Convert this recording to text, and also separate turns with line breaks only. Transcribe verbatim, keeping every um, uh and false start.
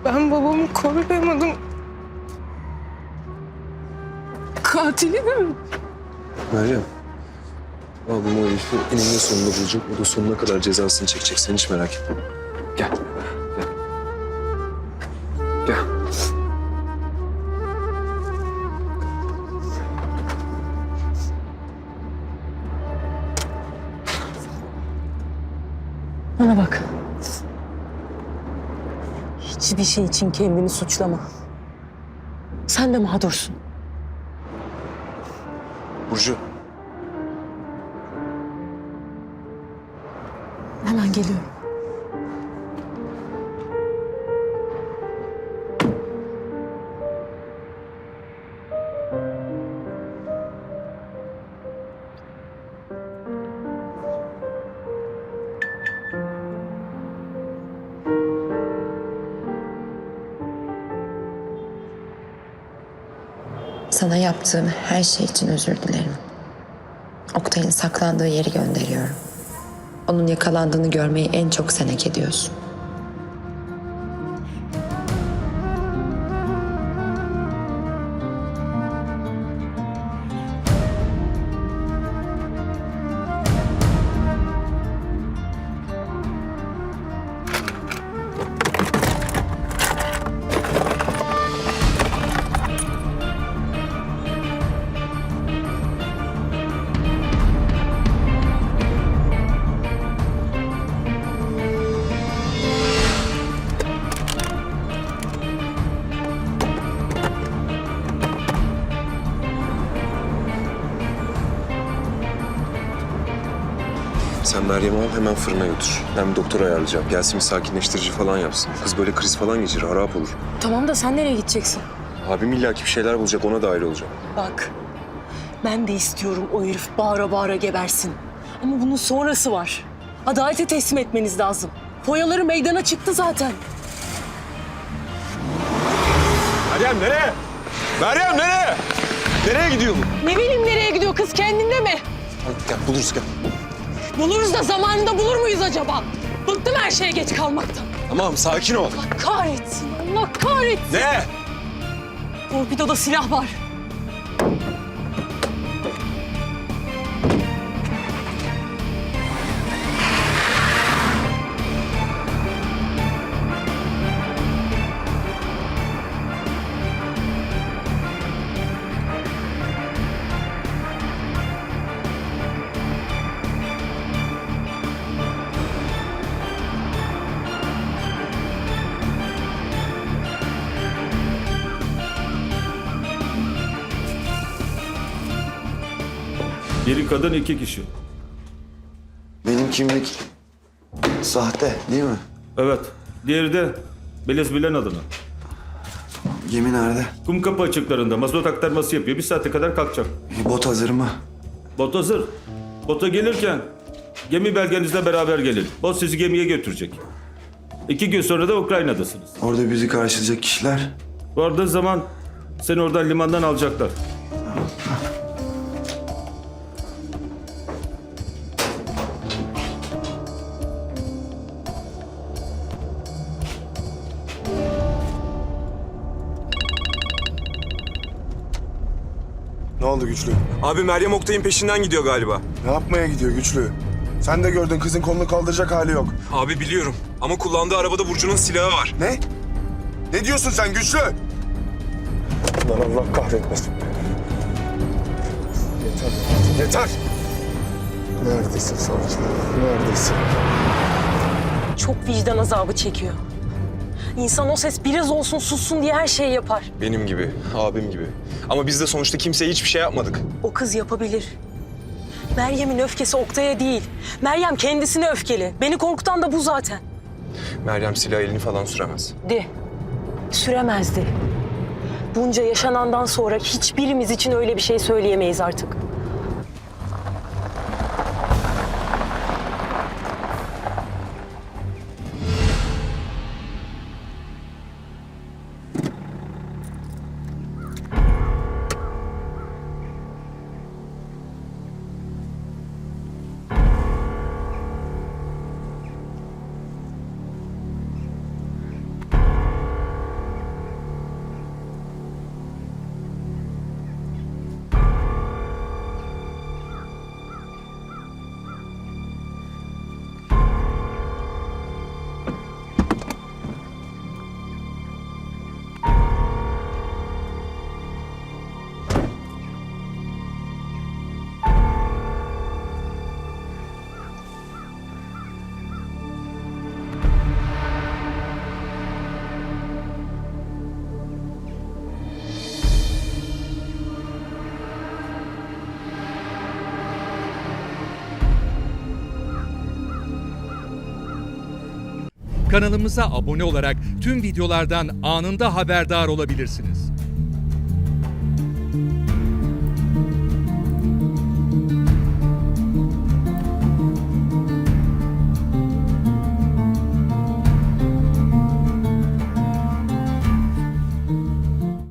Ben babamı koruyamadım. Katilim.
Meryem. Abim o herifi eninde sonunda bulacak. O da sonuna kadar cezasını çekecek. Sen hiç merak etme. Gel. Gel. Gel.
Bana bak. Hiçbir şey için kendini suçlama. Sen de mağdursun.
Burcu.
Hemen geliyorum.
Sana yaptığım her şey için özür dilerim. Oktay'ın saklandığı yeri gönderiyorum. Onun yakalandığını görmeyi en çok sen hak ediyorsun.
Sen Meryem'i al hemen fırına götür. Ben bir doktor ayarlayacağım. Gelsin bir sakinleştirici falan yapsın. Kız böyle kriz falan geçirir, harap olur.
Tamam da sen nereye gideceksin?
Abim illaki bir şeyler bulacak, ona dahil olacağım.
Bak, ben de istiyorum o herif bağıra bağıra gebersin. Ama bunun sonrası var. Adalete teslim etmeniz lazım. Foyaları meydana çıktı zaten.
Meryem nereye? Meryem nereye? Nereye gidiyor bu?
Ne bileyim nereye gidiyor kız, kendinde mi?
Hadi gel, buluruz gel.
Buluruz da zamanında bulur muyuz acaba? Bıktım her şeye geç kalmaktan.
Tamam, sakin ol.
Allah kahretsin, Allah kahretsin.
Ne?
Torpidoda silah var.
Biri kadın, iki kişi.
Benim kimlik sahte değil mi?
Evet. Diğeri de Beliz Bilen adına.
Gemi nerede?
Kumkapı açıklarında mazot aktarması yapıyor. Bir saate kadar kalkacak.
Bir bot hazır mı?
Bot hazır. Bota gelirken gemi belgenizle beraber gelin. Bot sizi gemiye götürecek. İki gün sonra da Ukrayna'dasınız.
Orada bizi karşılayacak kişiler.
Vardığı zaman seni oradan limandan alacaklar.
Ne oldu Güçlü?
Abi Meryem Oktay'ın peşinden gidiyor galiba.
Ne yapmaya gidiyor Güçlü? Sen de gördün, kızın kolunu kaldıracak hali yok.
Abi biliyorum ama kullandığı arabada Burcu'nun silahı var.
Ne? Ne diyorsun sen Güçlü? Lan Allah kahretmesin. Yeter, yeter. Neredesin savcı? Neredesin?
Çok vicdan azabı çekiyor. İnsan o ses biraz olsun sussun diye her şeyi yapar.
Benim gibi, abim gibi. Ama biz de sonuçta kimseye hiçbir şey yapmadık.
O kız yapabilir. Meryem'in öfkesi Oktay'a değil. Meryem kendisine öfkeli. Beni korkutan da bu zaten.
Meryem silah elini falan süremez.
De. Süremezdi. Bunca yaşanandan sonra hiçbirimiz için öyle bir şey söyleyemeyiz artık.
Kanalımıza abone olarak tüm videolardan anında haberdar olabilirsiniz.